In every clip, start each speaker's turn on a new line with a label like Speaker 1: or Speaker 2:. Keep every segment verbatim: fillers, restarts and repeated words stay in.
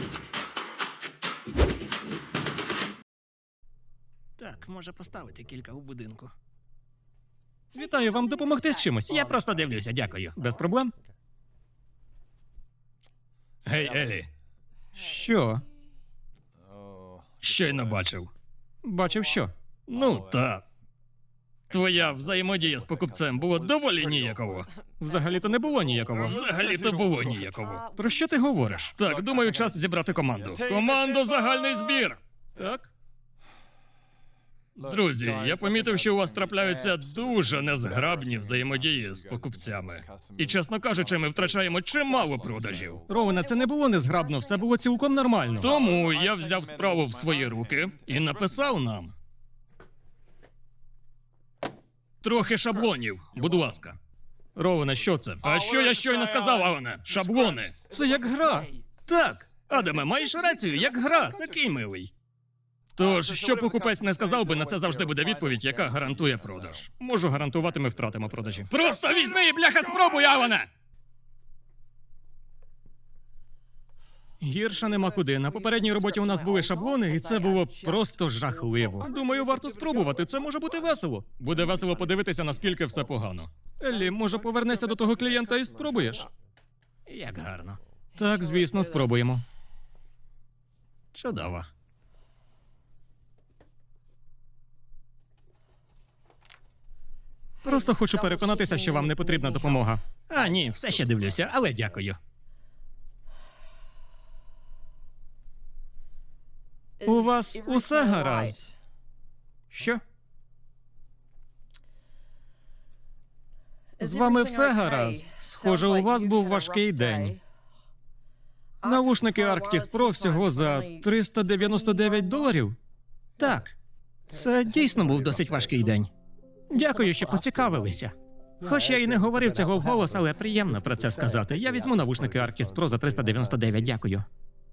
Speaker 1: Так, може поставити кілька у будинку.
Speaker 2: Вітаю, вам допомогти з чимось?
Speaker 1: Я просто дивлюся, дякую.
Speaker 2: Без проблем.
Speaker 3: Гей, Елі,
Speaker 2: Що?
Speaker 3: щойно бачив.
Speaker 2: Бачив що?
Speaker 3: Ну, та. Твоя взаємодія з покупцем було доволі ніяково.
Speaker 2: Взагалі-то не було ніякого.
Speaker 3: Взагалі-то було ніяково.
Speaker 2: Про що ти говориш?
Speaker 3: Так, думаю, час зібрати команду. Команду загальний збір!
Speaker 2: Так?
Speaker 3: Друзі, я помітив, що у вас трапляються дуже незграбні взаємодії з покупцями. І, чесно кажучи, ми втрачаємо чимало продажів.
Speaker 2: Ровена, це не було незграбно, все було цілком нормально.
Speaker 3: Тому я взяв справу в свої руки і написав нам трохи шаблонів, будь ласка.
Speaker 2: Ровена, що це?
Speaker 3: А що я щойно сказав, Алане? Шаблони.
Speaker 2: Це як гра.
Speaker 3: Так, Адаме, маєш рацію, як гра, такий милий. Тож, що покупець не сказав би, на це завжди буде відповідь, яка гарантує продаж.
Speaker 2: Можу гарантувати, ми втратимо продажі.
Speaker 3: Просто візьми і, бляха, спробуй, Алане!
Speaker 2: Гірше нема куди. На попередній роботі у нас були шаблони, і це було просто жахливо. Думаю, варто спробувати. Це може бути весело. Буде весело подивитися, наскільки все погано. Еллі, може, повернешся до того клієнта і спробуєш?
Speaker 1: Як гарно.
Speaker 2: Так, звісно, спробуємо.
Speaker 1: Чудово.
Speaker 2: Просто хочу переконатися, що вам не потрібна допомога.
Speaker 1: А, ні, все ще дивлюся, але дякую.
Speaker 2: У вас усе гаразд?
Speaker 1: Що?
Speaker 2: З вами все гаразд? Схоже, у вас був важкий день. Навушники Arctis Pro всього за триста дев'яносто дев'ять доларів?
Speaker 1: Так. Це дійсно був досить важкий день. Дякую, що поцікавилися. Хоч я і не говорив цього вголос, але приємно про це сказати. Я візьму навушники Arctis Pro за триста дев'яносто дев'ять, дякую.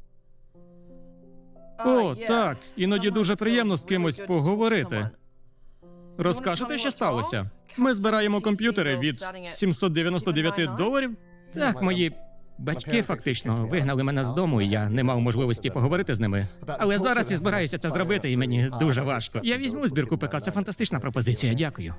Speaker 2: О, так. Іноді дуже приємно з кимось поговорити. Розкажете, що сталося? Ми збираємо комп'ютери від сімсот дев'яносто дев'ять доларів.
Speaker 1: Так, мої батьки фактично вигнали мене з дому, і я не мав можливості поговорити з ними. Але зараз я збираюся це зробити, і мені дуже важко. Я візьму збірку ПК, це фантастична пропозиція, дякую.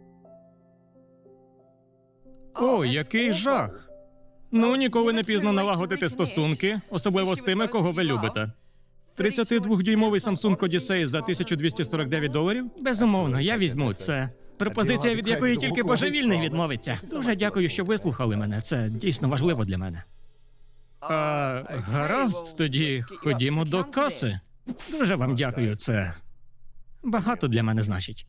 Speaker 2: О, який жах. Ну, ніколи не пізно налагодити стосунки, особливо з тими, кого ви любите. тридцятидводюймовий Samsung Odyssey за тисячу двісті сорок дев'ять доларів?
Speaker 1: Безумовно, я візьму це. Пропозиція, від якої тільки божевільний відмовиться. Дуже дякую, що вислухали мене. Це дійсно важливо для мене.
Speaker 2: А, гаразд, тоді ходімо до каси.
Speaker 1: Дуже вам дякую, це багато для мене значить.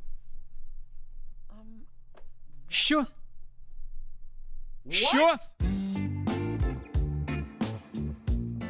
Speaker 2: Що? Що?